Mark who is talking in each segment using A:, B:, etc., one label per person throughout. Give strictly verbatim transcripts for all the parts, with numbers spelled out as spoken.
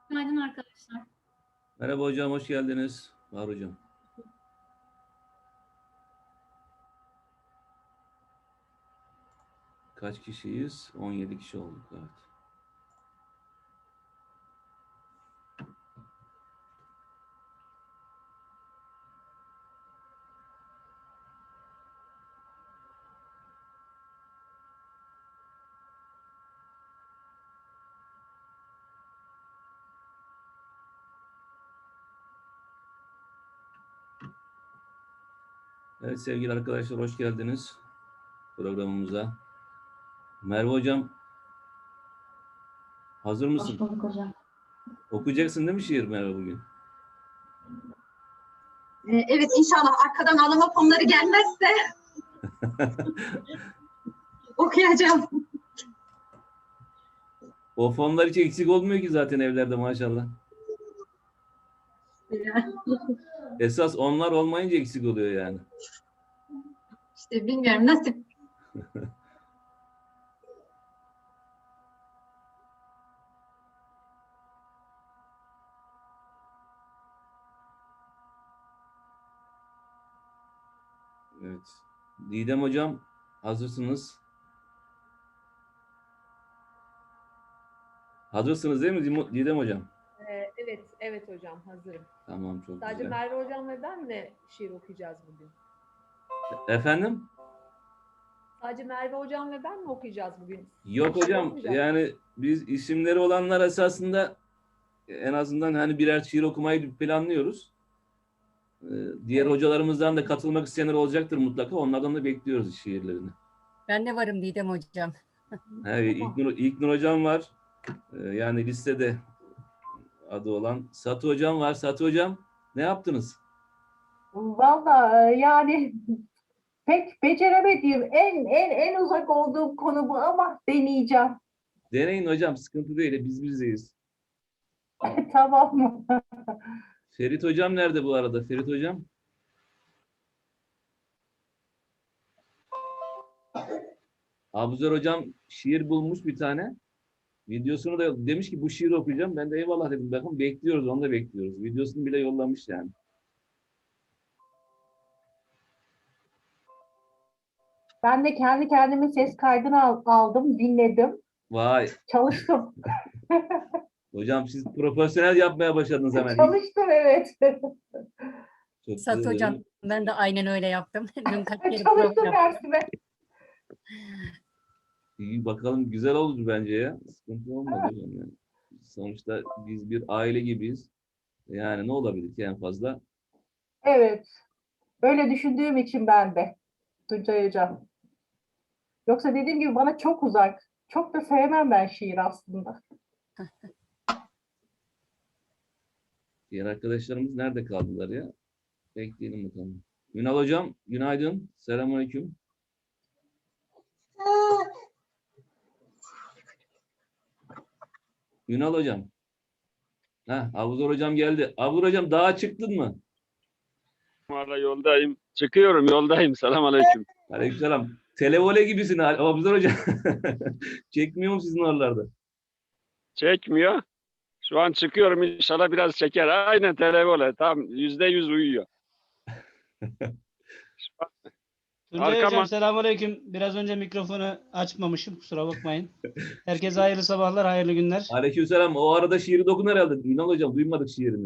A: Günaydın arkadaşlar.
B: Merhaba hocam, hoş geldiniz. Var hocam. Kaç kişiyiz? on yedi kişi olduk. Evet. Evet sevgili arkadaşlar, hoş geldiniz programımıza. Merve hocam, hazır mısın?
A: Hoş bulduk hocam.
B: Okuyacaksın değil mi şiir Merve bugün?
C: Ee, Evet inşallah arkadan ağlama fonları gelmezse okuyacağım.
B: O fonlar hiç eksik olmuyor ki zaten evlerde maşallah. Esas onlar olmayınca eksik oluyor yani.
C: İşte bilmiyorum nasip.
B: Evet. Didem hocam, hazırsınız. Hazırsınız değil mi Didem hocam?
D: Ee, evet, evet hocam hazırım.
B: Tamam, çok
D: Sadece
B: güzel.
D: Merve hocam ve ben de şiir okuyacağız bugün.
B: Efendim?
D: Sadece Merve hocam ve ben mi okuyacağız bugün?
B: Yok
D: Şiir
B: hocam,
D: okumayacak
B: yani biz isimleri olanlar esasında en azından hani birer şiir okumayı planlıyoruz. Ee, Diğer
D: Evet.
B: hocalarımızdan da katılmak isteyenler olacaktır mutlaka. Onlardan da bekliyoruz şiirlerini.
E: Ben de varım Didem hocam.
B: Evet, İlknur, İlknur hocam var. Ee, Yani listede adı olan. Satı hocam var. Satı hocam, ne yaptınız?
F: Vallahi yani pek beceremediğim en en en uzak olduğum konu bu ama deneyeceğim.
B: Deneyin hocam, sıkıntı değil. Biz bizdeyiz.
F: Tamam mı?
B: Ferit hocam nerede bu arada? Ferit hocam? Abuzer hocam şiir bulmuş bir tane. Videosunu da demiş ki bu şiiri okuyacağım. Ben de eyvallah dedim. Bakın bekliyoruz, onu da bekliyoruz. Videosunu bile yollamış yani.
F: Ben de kendi kendime ses kaydını al- aldım, dinledim,
B: Vay.
F: çalıştım.
B: Hocam siz profesyonel yapmaya başladınız hemen.
F: Çalıştım evet.
B: Çok
E: Sat
B: güzel.
E: hocam ben de aynen öyle yaptım. Dün kaç kere
F: Çalıştım
E: program.
F: dersime.
B: İyi bakalım, güzel oldu bence ya. Sıkıntı olmadı hocam yani. Sonuçta biz bir aile gibiyiz. Yani ne olabilir ki en fazla?
F: Evet. Öyle düşündüğüm için ben de Tuncay Hocam. Yoksa dediğim gibi bana çok uzak. Çok da sevmem ben şiir aslında.
B: Diğer arkadaşlarımız nerede kaldılar ya? Bekleyelim bakalım. Ünal hocam, günaydın. Selamünaleyküm. Ünal hocam. Heh, Abuzar hocam geldi. Abuzar hocam dağa çıktın mı?
G: Valla yoldayım. Çıkıyorum yoldayım. Selamünaleyküm.
B: Aleykümselam. Televole gibisin Abuzar hocam. Çekmiyor mu sizin oralarda?
G: Çekmiyor. Şu an çıkıyorum, inşallah biraz çeker. Aynen televole. Tam yüzde yüz uyuyor. Şu an
H: Tuncay
G: Arkama-
H: Hocam selamünaleyküm. Biraz önce mikrofonu açmamışım. Kusura bakmayın. Herkese hayırlı sabahlar, hayırlı günler.
B: Aleykümselam. O arada şiiri dokun herhalde. Ünal hocam duymadık şiirini.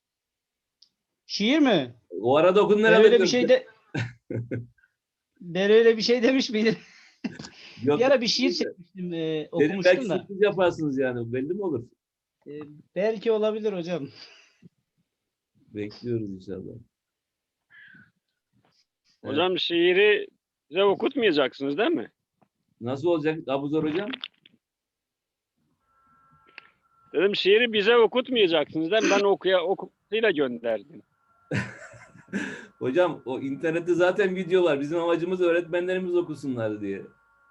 H: Şiir mi?
B: O arada okudun
H: Ben
B: herhalde.
H: öyle bir şey de Ben öyle bir şey demiş miydim?
B: Yok.
H: Bir ara bir şiir çekmiştim, e,
B: Dedim
H: okumuştum
B: belki
H: da.
B: sürpriz yaparsınız yani. Belli mi olur?
H: E, belki olabilir hocam.
B: Bekliyoruz inşallah. Evet.
G: Hocam şiiri bize okutmayacaksınız değil mi?
B: Nasıl olacak Abuzar hocam?
G: Dedim şiiri bize okutmayacaksınız değil mi? Ben okuya okutuyla gönderdim.
B: Hocam o internette zaten video var. Bizim amacımız öğretmenlerimiz okusunlar diye.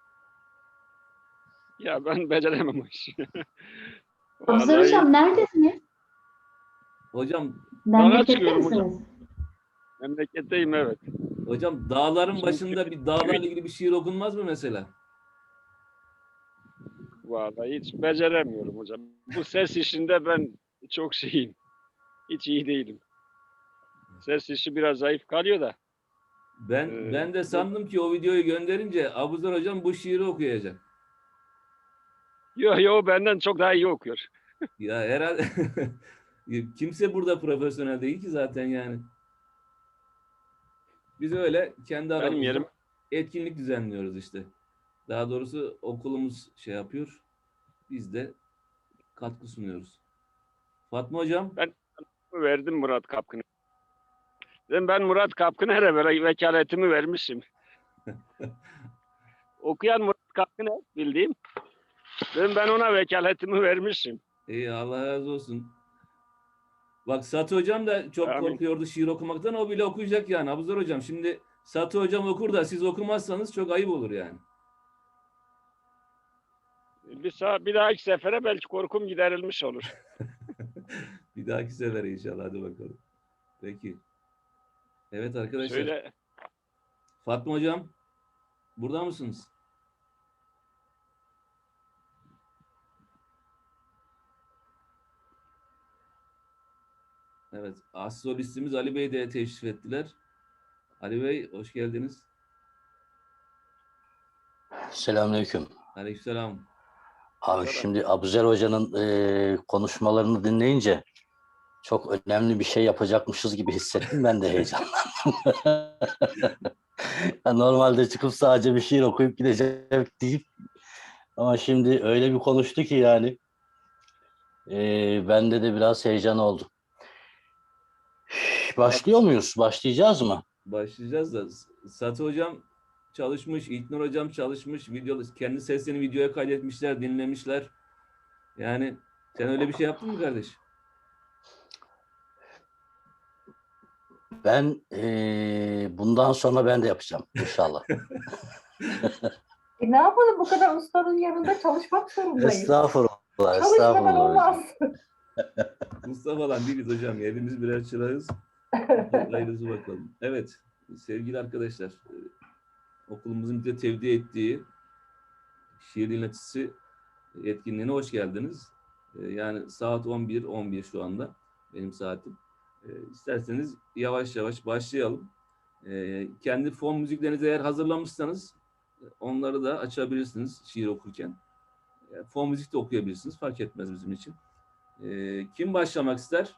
G: Ya ben beceremem o işi.
A: Abuzar
G: Vallahi
A: hocam neredesiniz?
B: Hocam
A: Memlekette
G: çıkıyorum hocam.
A: misiniz?
G: memleketteyim, evet.
B: hocam dağların başında bir dağlarla ilgili bir şiir okunmaz mı mesela?
G: Vallahi hiç beceremiyorum hocam. Bu ses işinde ben çok şeyim. Hiç iyi değilim. Ses işi biraz zayıf kalıyor da.
B: Ben
G: Ee,
B: ben de sandım ki o videoyu gönderince Abuzer hocam bu şiiri okuyacak.
G: Yo yo benden çok daha iyi okuyor.
B: Ya herhalde kimse burada profesyonel değil ki zaten yani. Biz öyle kendi
G: Benim
B: aramızda
G: yerim
B: etkinlik düzenliyoruz işte. Daha doğrusu okulumuz şey yapıyor. Biz de katkı sunuyoruz. Fatma hocam,
G: verdim Murat Kapkın'a. Dedim ben Murat Kapkın'a her böyle vekaletimi vermişim. Okuyan Murat Kapkın'a bildiğim. Dedim ben ona vekaletimi vermişim.
B: iyi Allah razı olsun. Bak Satı hocam da çok
G: Amin.
B: korkuyordu şiir okumaktan. O bile okuyacak yani Abuzer hocam. Şimdi Satı hocam okur da siz okumazsanız çok ayıp olur yani.
G: Bir, sağ, bir dahaki sefere belki korkum giderilmiş olur.
B: Bir dahaki sefere inşallah. Hadi bakalım. Peki. Evet arkadaşlar.
G: Şöyle
B: Fatma hocam burada mısınız? Evet. As solistimiz Ali Bey de teşrif ettiler. Ali Bey hoş geldiniz.
I: Selamünaleyküm.
B: Aleykümselam.
I: Abi şimdi Abuzer Hoca'nın e, konuşmalarını dinleyince çok önemli bir şey yapacakmışız gibi hissettim. Ben de heyecanlandım. Ya normalde çıkıp sadece bir şiir okuyup gideceğim deyip ama şimdi öyle bir konuştu ki yani e, bende de biraz heyecan oldu. Başlıyor muyuz? Başlayacağız mı?
B: Başlayacağız da Satı hocam çalışmış, İlknur hocam çalışmış, video, kendi seslerini videoya kaydetmişler, dinlemişler. Yani sen öyle bir şey yaptın mı kardeş?
I: Ben e, bundan sonra ben de yapacağım inşallah.
F: E ne yapalım, bu kadar ustanın yanında çalışmak zorundayız.
I: Estağfurullah,
F: Çalışmadan
I: estağfurullah hocam.
F: olmaz.
B: Mustafa'dan değiliz hocam. Hepimiz birer çırağız. Hayırlısı bakalım. Evet sevgili arkadaşlar e, okulumuzun bize tevdi ettiği şiir dinletisi etkinliğine hoş geldiniz. E, yani saat on bir on bir şu anda benim saatim. E, isterseniz yavaş yavaş başlayalım. E, kendi fon müziklerinizi eğer hazırlamışsanız e, onları da açabilirsiniz şiir okurken. E, fon müzik de okuyabilirsiniz. Fark etmez bizim için. E, kim başlamak ister?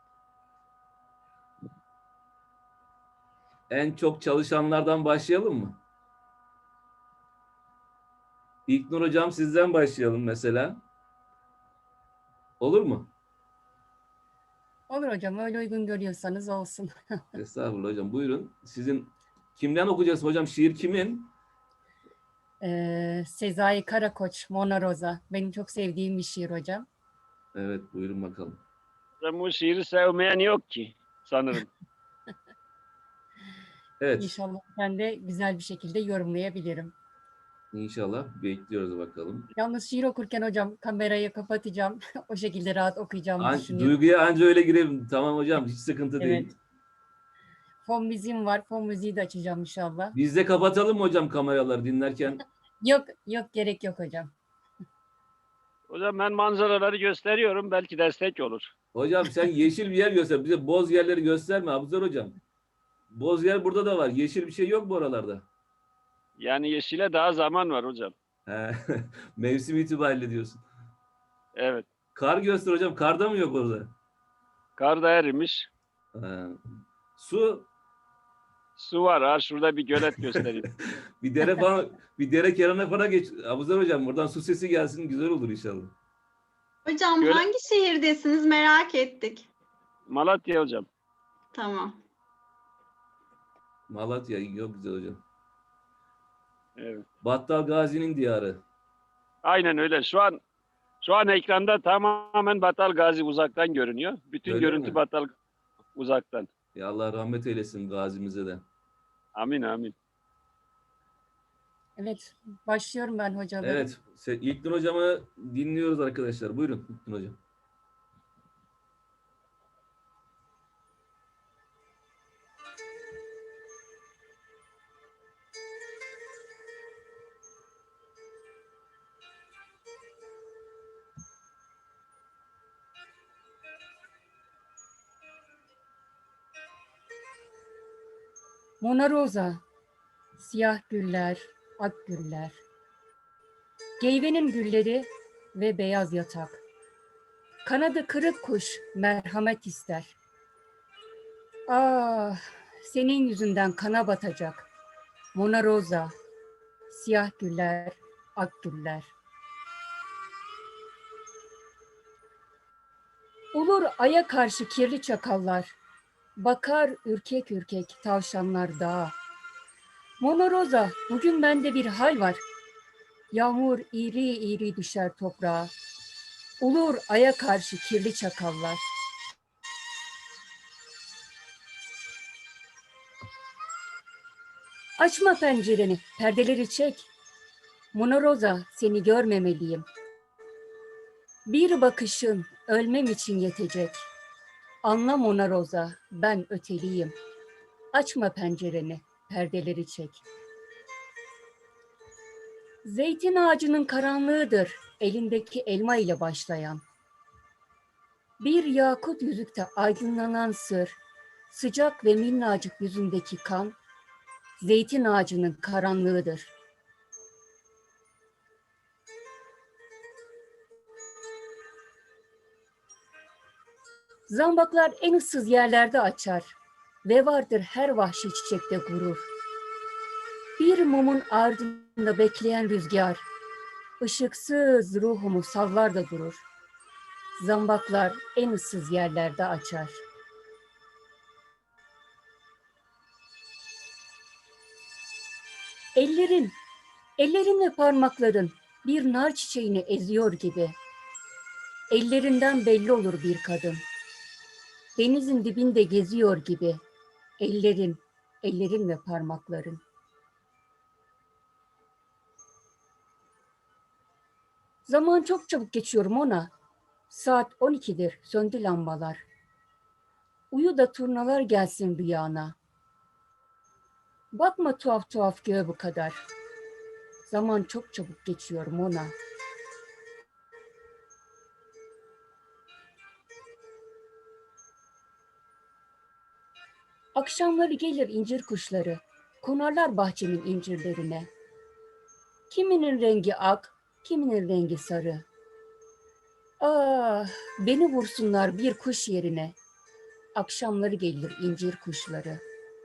B: En çok çalışanlardan başlayalım mı? İlknur hocam sizden başlayalım mesela. Olur mu?
E: Olur hocam, öyle uygun görüyorsanız olsun.
B: Estağfurullah hocam. Buyurun. Sizin kimden okuyacaksın hocam? Şiir kimin?
E: Ee, Sezai Karakoç, Mona Rosa. Benim çok sevdiğim bir şiir hocam.
B: Evet buyurun bakalım.
G: ben bu şiiri sevmeyen yok ki sanırım.
B: Evet.
E: İnşallah ben de güzel bir şekilde yorumlayabilirim.
B: İnşallah bekliyoruz bakalım.
E: Yalnız şiir okurken hocam kamerayı kapatacağım. O şekilde rahat okuyacağımı
B: An
E: düşünüyorum.
B: duyguya anca öyle girelim. Tamam hocam hiç sıkıntı değil.
E: Evet. Fon müziğim var. Fon müziği de açacağım inşallah.
B: Biz de kapatalım mı hocam kameraları dinlerken?
E: Yok yok gerek yok hocam.
G: Hocam ben manzaraları gösteriyorum. Belki destek olur.
B: Hocam sen yeşil bir yer göster. Bize boz yerleri gösterme Abuzer hocam. Boz yer burada da var. Yeşil bir şey yok bu oralarda.
G: Yani yeşile daha zaman var hocam.
B: He, mevsim itibariyle diyorsun.
G: Evet.
B: Kar göster hocam. Karda mı yok orada?
G: Kar da erimiş.
B: He. Su,
G: Su var. Ha, şurada bir gölet göstereyim.
B: bir dere falan, bir dere kenarına falan geç. Abuzer hocam buradan su sesi gelsin güzel olur inşallah.
C: Hocam
G: Göre-
C: hangi şehirdesiniz merak ettik.
G: Malatya hocam.
C: Tamam.
B: Malatya yok güzel hocam.
G: Evet.
B: Battal Gazi'nin diyarı.
G: Aynen öyle. Şu an şu an ekranda tamamen Battal Gazi uzaktan görünüyor. Bütün
B: Öyle
G: görüntü
B: mi?
G: Battal uzaktan.
B: Ya Allah rahmet eylesin gazimize de.
G: Amin amin.
E: Evet başlıyorum ben hocam.
B: Evet. se- İlknur hocamı dinliyoruz arkadaşlar. Buyurun İlknur hocam.
E: Mona Rosa, siyah güller, ak güller. Geyvenin gülleri ve beyaz yatak. Kanadı kırık kuş merhamet ister. Ah, senin yüzünden kana batacak. Mona Rosa, siyah güller, ak güller. Olur aya karşı kirli çakallar. Bakar ürkek ürkek tavşanlar dağa. Mona Rosa, bugün bende bir hal var. Yağmur iri iri düşer toprağa. Olur aya karşı kirli çakallar. Açma pencereni, perdeleri çek. Mona Rosa, seni görmemeliyim. Bir bakışın ölmem için yetecek. Anla Mona Rosa, ben öteliyim. Açma pencereni, perdeleri çek. Zeytin ağacının karanlığıdır, elindeki elma ile başlayan. Bir yakut yüzükte aydınlanan sır, sıcak ve minnacık yüzündeki kan, zeytin ağacının karanlığıdır. Zambaklar en ıssız yerlerde açar ve vardır her vahşi çiçekte gurur. Bir mumun ardında bekleyen rüzgar, ışıksız ruhumu sallar da durur. Zambaklar en ıssız yerlerde açar. Ellerin, ellerin ve parmakların bir nar çiçeğini eziyor gibi. Ellerinden belli olur bir kadın. Denizin dibinde geziyor gibi. Ellerin, ellerin ve parmakların. Zaman çok çabuk geçiyor Mona. Saat on ikidir, söndü lambalar. Uyu da turnalar gelsin rüyana. Bakma tuhaf tuhaf göğe bu kadar. Zaman çok çabuk geçiyor Mona. Akşamları gelir incir kuşları, konarlar bahçemin incirlerine. Kiminin rengi ak, kiminin rengi sarı. Ah, beni vursunlar bir kuş yerine. Akşamları gelir incir kuşları.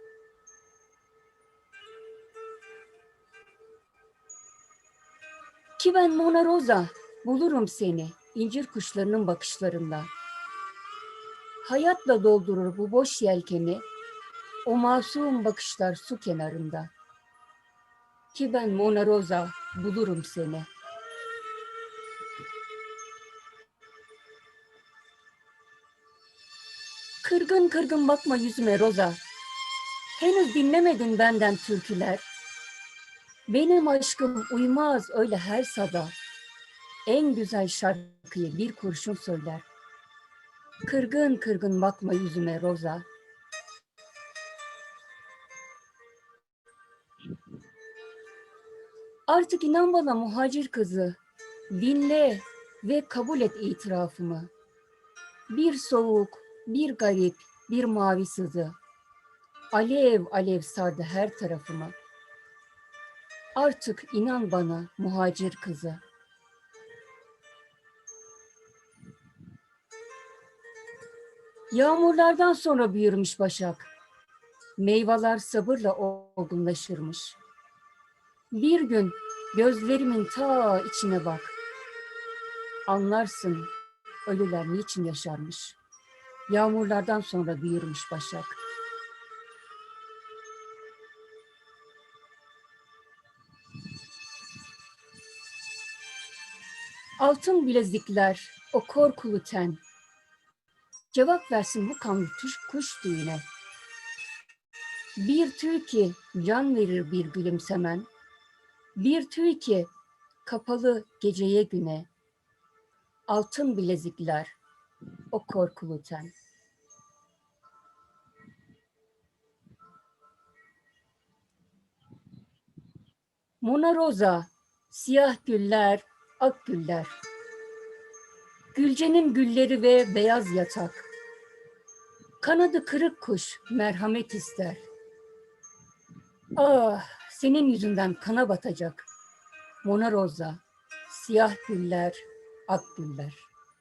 E: Ki ben Mona Rosa, bulurum seni incir kuşlarının bakışlarında. Hayatla doldurur bu boş yelkeni, o masum bakışlar su kenarında. Ki ben Mona Rosa, bulurum seni. Kırgın kırgın bakma yüzüme Rosa. Henüz dinlemedin benden türküler. Benim aşkım uymaz öyle her sada. En güzel şarkıyı bir kurşun söyler. Kırgın kırgın bakma yüzüme Rosa. Artık inan bana muhacir kızı. Dinle ve kabul et itirafımı. Bir soğuk, bir garip, bir mavi sızı. Alev alev sardı her tarafımı. Artık inan bana muhacir kızı. Yağmurlardan sonra büyürmüş başak. Meyveler sabırla olgunlaşırmış. Bir gün gözlerimin ta içine bak. Anlarsın ölüler niçin yaşarmış. Yağmurlardan sonra büyürmüş başak. Altın bilezikler, o korkulu ten. Cevap versin bu kanlı tuş, kuş düğüne. Bir tüy ki can verir bir gülümsemen. Bir tüy ki kapalı geceye güne. Altın bilezikler, o korkulu ten. Mona Rosa, siyah güller, ak güller. Gülcenin gülleri ve beyaz yatak. Kanadı kırık kuş merhamet ister. Ah, senin yüzünden kana batacak. Mona Rosa, siyah güller, ak güller.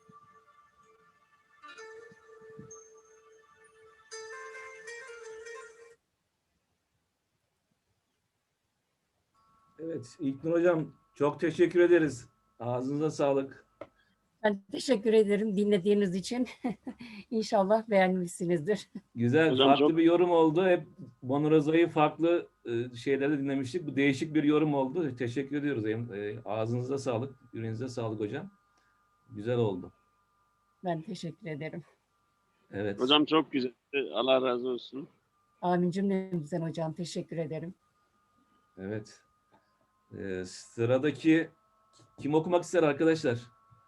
B: Evet, İlknur Hocam çok teşekkür ederiz. Ağzınıza sağlık.
E: Ben teşekkür ederim dinlediğiniz için. İnşallah beğenmişsinizdir.
B: Güzel,
G: Hocam
B: farklı
G: çok-
B: bir yorum oldu. Hep Bonoraza'yı farklı e, şeylerde dinlemiştik. Bu değişik bir yorum oldu. Teşekkür ediyoruz. E, Ağzınıza sağlık, yüreğinize sağlık hocam. Güzel oldu.
E: Ben teşekkür ederim.
B: Evet.
G: Hocam çok güzel. Allah razı olsun.
E: Amin cümlemizden hocam. Teşekkür ederim.
B: Evet. E, sıradaki kim okumak ister arkadaşlar?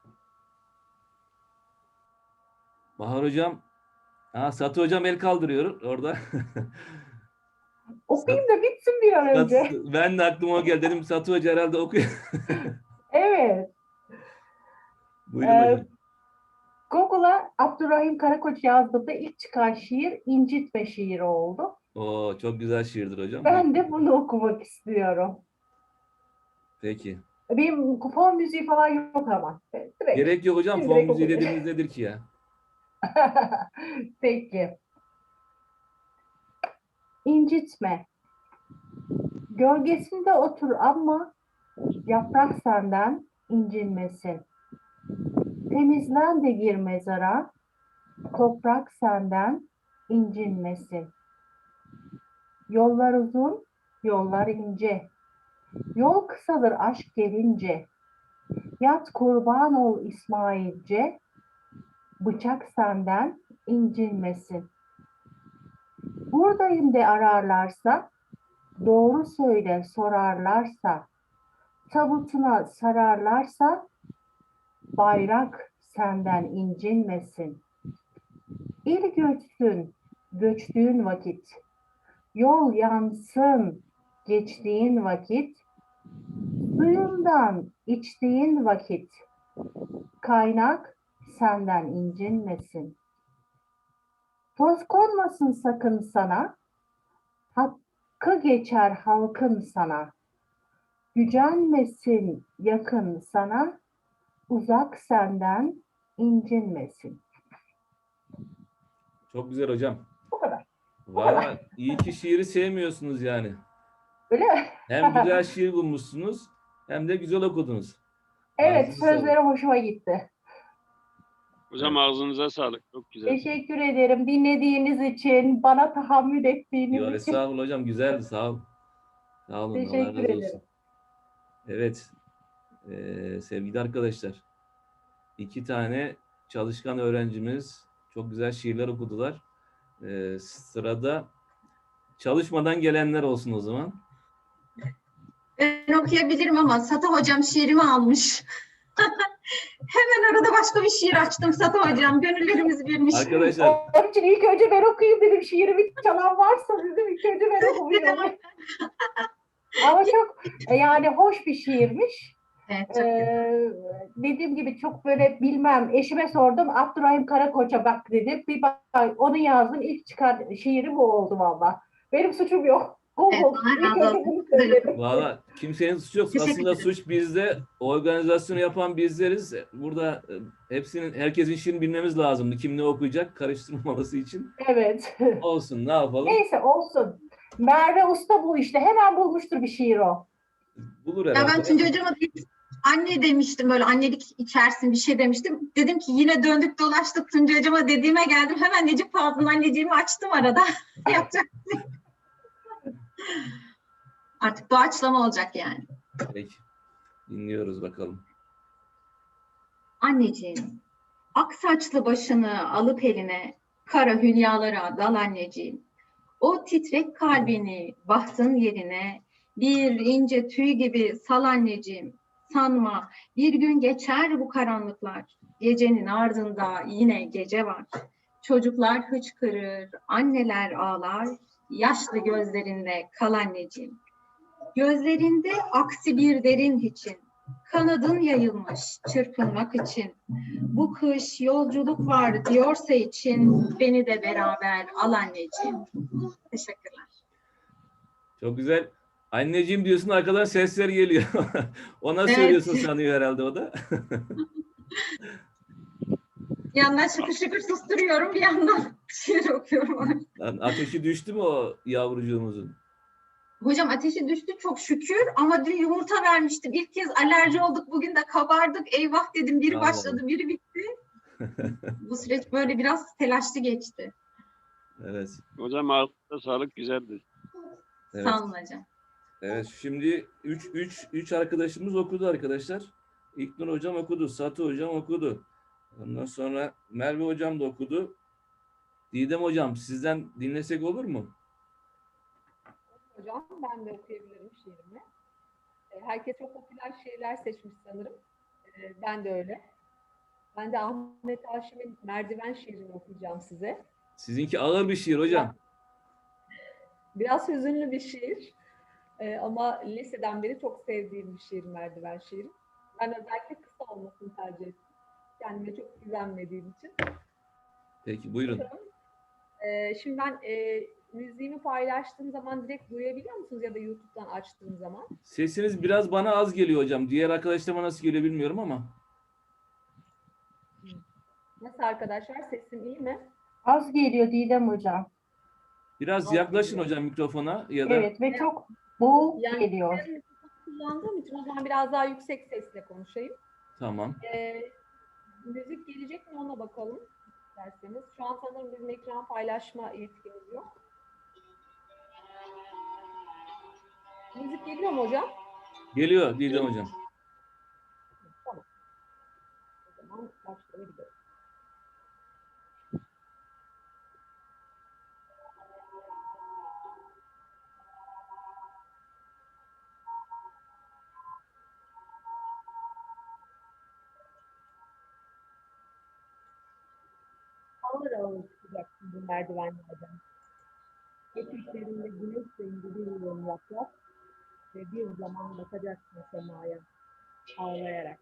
B: Bahar hocam. Ha, Satı hocam el kaldırıyor orada.
F: Okuyayım da bitsin bir an önce.
B: Satı- ben de aklıma o geldi. Dedim Satı Hoca herhalde okuyor.
F: Evet.
B: Buyurun
F: Ee,
B: hocam.
F: Google'a Abdurrahim Karakoç yazdığımda ilk çıkan şiir İncitme şiiri oldu.
B: Oo, çok güzel şiirdir hocam.
F: Ben de bunu okumak istiyorum.
B: Peki.
F: Benim fon müziği falan yok ama. Direkt.
B: Gerek yok hocam.
F: Direkt
B: Fon müziği
F: okuyayım.
B: dediğimiz nedir ki ya?
F: Peki. İncitme. Gölgesinde otur ama yaprak senden incinmesin. Temizlen de gir mezara, toprak senden incinmesin. Yollar uzun, yollar ince. Yol kısadır aşk gelince. Yat kurban ol İsmailce. Bıçak senden incinmesin. Buradayım de ararlarsa, doğru söyle sorarlarsa, tabutuna sararlarsa, bayrak senden incinmesin. İl göçsün, göçtüğün vakit, yol yansın, geçtiğin vakit, suyundan içtiğin vakit, kaynak senden incinmesin. Toz konmasın sakın sana, hakkı geçer halkın sana. Gücenmesin yakın sana, uzak senden incinmesin.
B: Çok güzel hocam.
F: Bu kadar.
B: Valla iyi ki şiiri sevmiyorsunuz yani.
F: Öyle mi?
B: Hem güzel şiir bulmuşsunuz hem de güzel okudunuz.
F: Evet,
B: Ağzınıza sağlık.
F: sözleri hoşuma gitti.
G: Hocam ağzınıza sağlık. Çok güzel.
F: Teşekkür ederim dinlediğiniz için, bana tahammül ettiğiniz
B: Yo,
F: için.
B: estağfurullah hocam. Güzeldi. Sağ ol. Sağ olun. Allah
F: Teşekkür
B: razı
F: ederim.
B: olsun. Evet. Ee, sevgili arkadaşlar. iki tane çalışkan öğrencimiz çok güzel şiirler okudular. Ee, sırada çalışmadan gelenler olsun o zaman.
C: Ben okuyabilirim ama Satı hocam şiirimi almış. Hemen arada başka bir şiir açtım Satı hocam. Gönüllerimiz birmiş.
B: Arkadaşlar
F: Onun için ilk önce ben okuyayım dedim. Şiirimi çalan varsa dedim ilk önce ben okuyayım. Ama çok yani hoş bir şiirmiş.
C: Evet, çok güzel.
F: Ee, dediğim gibi çok böyle bilmem. Eşime sordum. Abdurrahim Karakoç'a bak dedi. Bir bak onu yazdım. İlk çıkan şiiri bu oldu valla. Benim suçum yok. Google.
C: Evet, Allah
F: İlk
C: razı
F: önce
C: olsun.
F: bunu söyledim.
B: valla kimsenin suçu yok.
C: Teşekkür
B: Aslında
C: ederim.
B: suç bizde. Organizasyonu yapan bizleriz. Burada e, hepsinin, herkesin şiirini bilmemiz lazımdı. Kim ne okuyacak karıştırmaması için.
F: Evet.
B: Olsun, ne yapalım?
F: Neyse olsun. Merve Usta bu işte. Hemen bulmuştur bir şiir o.
B: Bulur
C: Ya
B: herhalde.
C: ben Tuncay hocama bir anne demiştim, böyle annelik içersin bir şey demiştim. Dedim ki yine döndük dolaştık Tuncay hocama dediğime geldim. Hemen Necip Fazıl'ın anneciğimi açtım arada. Yapacak bir şey yok. Artık doğaçlama olacak yani.
B: Peki. Dinliyoruz bakalım.
C: Anneciğim, ak saçlı başını alıp eline, kara hülyalara dal anneciğim. O titrek kalbini bahtın yerine, bir ince tüy gibi sal anneciğim. Sanma bir gün geçer bu karanlıklar, gecenin ardında yine gece var. Çocuklar hıçkırır, anneler ağlar, yaşlı gözlerinde kal anneciğim. Gözlerinde aksi bir derin için, kanadın yayılmış çırpınmak için. Bu kış yolculuk var diyorsa için, beni de beraber al anneciğim. Teşekkürler.
B: Çok güzel. Anneciğim diyorsun, arkadan sesler geliyor. Ona
C: Evet.
B: söylüyorsun sanıyor herhalde o da.
C: Bir yandan şıkır şıkır susturuyorum, bir yandan şiir okuyorum.
B: Lan ateşi düştü mü o yavrucuğumuzun?
C: Hocam ateşi düştü çok şükür ama dün yumurta vermiştim. İlk kez alerji olduk, bugün de kabardık. Eyvah dedim, biri
B: Allah
C: başladı, biri bitti. Bu süreç böyle biraz telaşlı geçti.
B: Evet.
G: Hocam ağzına sağlık, güzeldi.
B: Evet.
C: Sağ olun hocam.
B: Evet, şimdi üç üç üç arkadaşımız okudu arkadaşlar. İlknur hocam okudu, Satı hocam okudu. Ondan sonra Merve hocam da okudu. Didem hocam, sizden dinlesek olur mu?
D: Hocam ben de okuyabilirim şiirimi. E, Herkes çok popüler şiirler seçmiş sanırım. E, Ben de öyle. Ben de Ahmet Haşim'in Merdiven şiirini okuyacağım size.
B: Sizinki ağır bir şiir hocam.
D: Biraz hüzünlü bir şiir. E, ama liseden beri çok sevdiğim bir şiir Merdiven şiiri. Ben özellikle kısa olmasını tercih ettim. Kendime çok güvenmediğim için.
B: Peki buyurun.
D: E, şimdi ben e, müziğimi paylaştığım zaman direkt duyabiliyor musunuz ya da YouTube'dan açtığım zaman?
B: Sesiniz biraz bana az geliyor hocam. Diğer arkadaşlarıma nasıl geliyor bilmiyorum ama.
D: Nasıl arkadaşlar? Sesim iyi mi?
F: Az geliyor Didem hocam.
B: Biraz
D: Az
B: yaklaşın
D: geliyor.
B: hocam mikrofona ya da
F: Evet ve çok boğuk
D: Yani
F: geliyor.
D: ben mikrofonu kullandığım için o zaman biraz daha yüksek sesle konuşayım.
B: tamam.
D: Ee, müzik gelecek mi ona bakalım isterseniz. Şu an sanırım bizim ekran paylaşma yetkimiz yok. Müzik geliyor mu hocam?
B: Geliyor Didem hocam.
D: Tamam. O zaman başlayabiliriz. Ağır ağır çıkacaksın bu merdivenlerden. Eteklerinde güneş rengi bir yığın yaprak ve bir zaman bakacaksın semaya ağlayarak.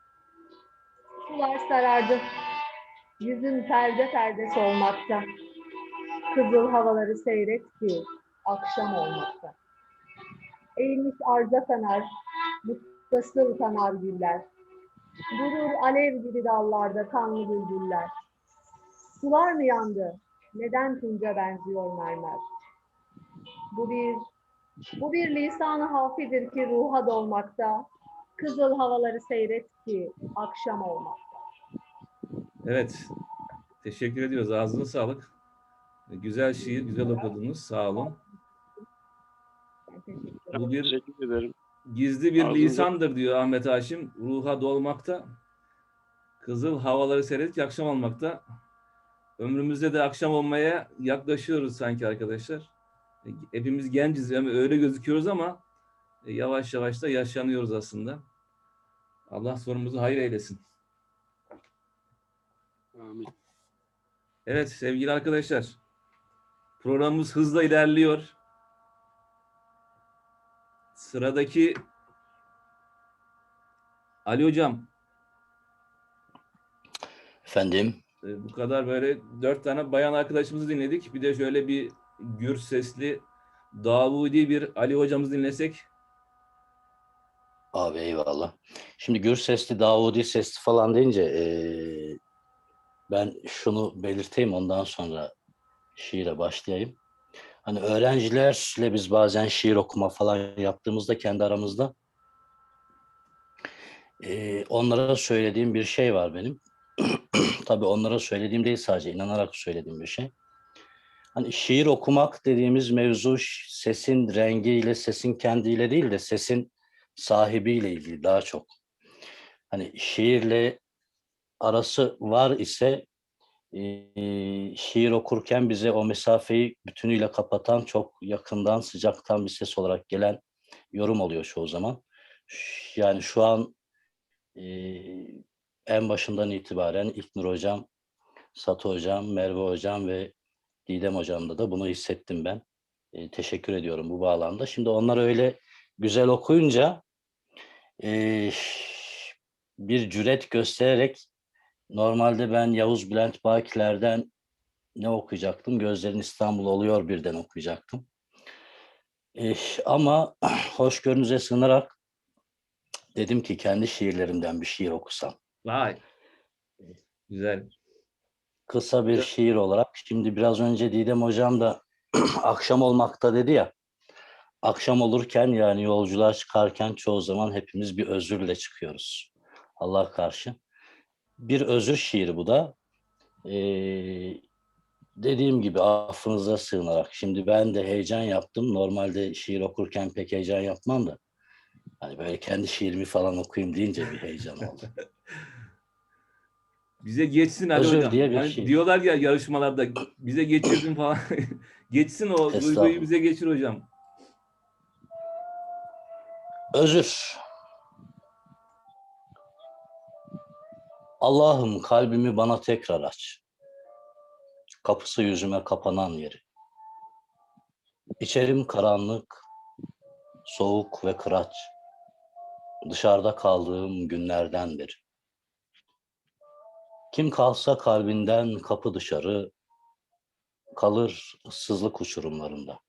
D: Sular sarardı. Yüzün perde perde solmakta. Kızıl havaları seyret ki akşam olmakta. Eğilmiş arza kanar, mutlasıl kanar güller. Durur alev gibi dallarda kanlı bülbüller. Sular mı yandı? Neden tunca benziyor mermer? Bu bir, bu bir lisan-ı hafidir ki ruha dolmakta. Kızıl havaları seyret ki akşam olmakta.
B: Evet. Teşekkür ediyoruz. Ağzına sağlık. Güzel şiir, güzel okudunuz. Sağ olun.
D: Ben teşekkür ederim.
B: Bu bir
G: Teşekkür ederim.
B: gizli bir
G: Ağzınıza-
B: lisandır diyor Ahmet Haşim. Ruha dolmakta. Kızıl havaları seyret ki akşam olmakta. Ömrümüzde de akşam olmaya yaklaşıyoruz sanki arkadaşlar. Hepimiz genciz yani öyle gözüküyoruz ama yavaş yavaş da yaşlanıyoruz aslında. Allah sonumuzu hayır eylesin.
G: Amin.
B: Evet sevgili arkadaşlar. Programımız hızla ilerliyor. Sıradaki Ali Hocam.
I: Efendim,
B: e, Bu kadar böyle dört tane bayan arkadaşımızı dinledik. Bir de şöyle bir gür sesli Davudi bir Ali Hocamızı dinlesek.
I: abi eyvallah. Şimdi gür sesli, Davudi sesli falan deyince eee, ben şunu belirteyim, ondan sonra şiire başlayayım. Hani öğrencilerle biz bazen şiir okuma falan yaptığımızda kendi aramızda eee, onlara söylediğim bir şey var benim. Tabii onlara söylediğim değil, sadece inanarak söylediğim bir şey. Hani şiir okumak dediğimiz mevzu ş- sesin rengiyle, sesin kendiyle değil de sesin sahibiyle ilgili daha çok. Hani şiirle arası var ise e, şiir okurken bize o mesafeyi bütünüyle kapatan, çok yakından, sıcaktan bir ses olarak gelen yorum oluyor çoğu zaman. Ş- Yani şu an e, en başından itibaren İlknur Hocam, Satı Hocam, Merve Hocam ve Didem Hocam'da da bunu hissettim ben. E, teşekkür ediyorum bu bağlamda. Şimdi onlar öyle güzel okuyunca e, bir cüret göstererek, normalde ben Yavuz Bülent Bakiler'den ne okuyacaktım? Gözlerin İstanbul oluyor birden okuyacaktım. E, ama hoşgörünüze sığınarak dedim ki kendi şiirlerimden bir şiir okusam.
B: Vay. Güzel.
I: Kısa bir şiir olarak. Şimdi biraz önce Didem Hocam da akşam olmakta dedi ya. Akşam olurken yani yolculuğa çıkarken çoğu zaman hepimiz bir özürle çıkıyoruz. Allah karşı. Bir özür şiiri bu da. Ee, dediğim gibi affınıza sığınarak. Şimdi ben de heyecan yaptım. Normalde şiir okurken pek heyecan yapmam da. Hani böyle kendi şiirimi falan okuyayım deyince bir heyecan oldu.
B: Bize geçsin Ali
I: Özür
B: hocam.
I: diye bir
B: Yani
I: şey.
B: diyorlar ya yarışmalarda bize geçirdin falan. Geçsin o duyguyu
I: Estağfurullah.
B: bize geçir hocam.
I: Özür. Allah'ım kalbimi bana tekrar aç. Kapısı yüzüme kapanan yeri. İçerim karanlık, soğuk ve kıraç. Dışarıda kaldığım günlerden beri. Kim kalsa kalbinden kapı dışarı, kalır ıssızlık uçurumlarında.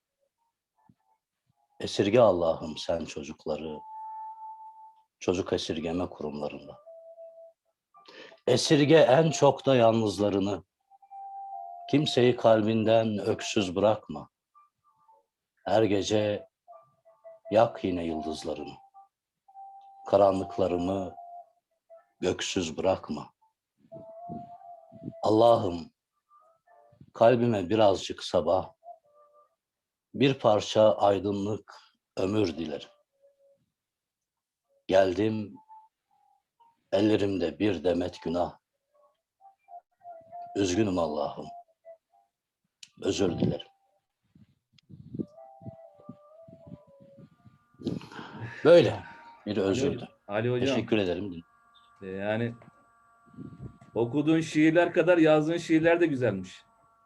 I: Esirge Allah'ım sen çocukları, çocuk esirgeme kurumlarında. Esirge en çok da yalnızlarını, kimseyi kalbinden öksüz bırakma. Her gece yak yine yıldızlarını, karanlıklarımı göksüz bırakma. Allah'ım kalbime birazcık sabah, bir parça aydınlık ömür dilerim. Geldim, ellerimde bir demet günah. Üzgünüm Allah'ım, özür dilerim. Böyle bir özürdü.
B: Ali hocam.
I: Teşekkür ederim.
B: e, Yani okuduğun şiirler kadar yazdığın şiirler de güzelmiş.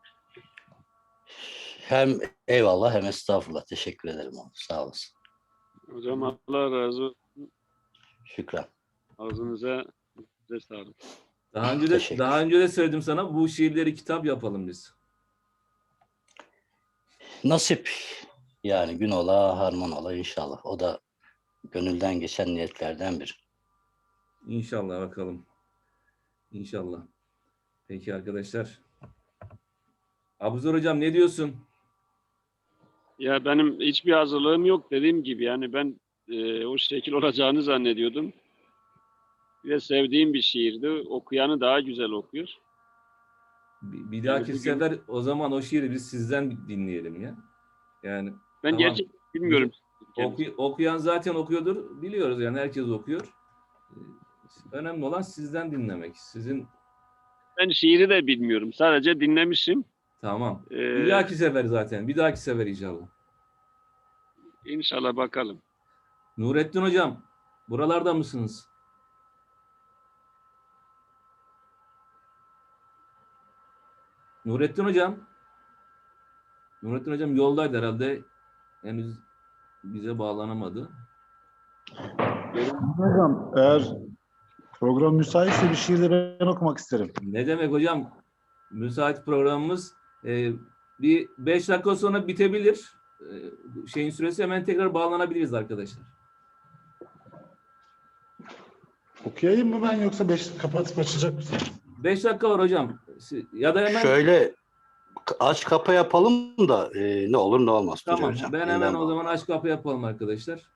I: Hem eyvallah hem estağfurullah. Teşekkür ederim. Sağ olasın.
G: Hocam Allah razı olsun.
I: Şükran.
G: Ağzınıza size sağlık.
B: Daha önce de
I: Teşekkür.
B: daha önce de söyledim sana bu şiirleri kitap yapalım biz.
I: Nasip. Yani gün ola harman ola inşallah. O da gönülden geçen niyetlerden biri.
B: İnşallah bakalım. İnşallah. Peki arkadaşlar. Abuzar hocam ne diyorsun?
G: Ya benim hiçbir hazırlığım yok dediğim gibi. Yani ben e, o şekil olacağını zannediyordum. Ve sevdiğim bir şiirdi. Okuyanı daha güzel okuyor.
B: Bir, bir dahaki
G: bugün-
B: sefer o zaman o şiiri biz sizden dinleyelim ya. Yani
G: Ben
B: Tamam.
G: gerçekten bilmiyorum.
B: oku- okuyan zaten okuyordur. Biliyoruz yani herkes okuyor. Ee, Önemli olan sizden dinlemek. Sizin
G: Ben şiiri de bilmiyorum. Sadece dinlemişim.
B: tamam.
G: Ee,
B: Bir dahaki sefer zaten. Bir dahaki sefer inşallah.
G: İnşallah bakalım.
B: Nurettin hocam buralarda mısınız? Nurettin hocam. Nurettin hocam yoldaydı herhalde. Henüz bize bağlanamadı.
J: Hocam eğer program müsaitse bir şiir de ben okumak isterim.
B: Ne demek hocam? Müsait programımız e, bir beş dakika sonra bitebilir. E, şeyin süresi hemen tekrar bağlanabiliriz arkadaşlar.
J: Okuyayım mı ben yoksa beş kapatıp açacak mısın?
B: Beş dakika var hocam. Si- Ya da hemen
I: Şöyle aç kapa yapalım da e, ne olur ne olmaz. Tuncay
B: tamam.
I: hocam.
B: Ben
I: Yeniden
B: hemen o
I: bağlı.
B: zaman aç kapı yapalım arkadaşlar.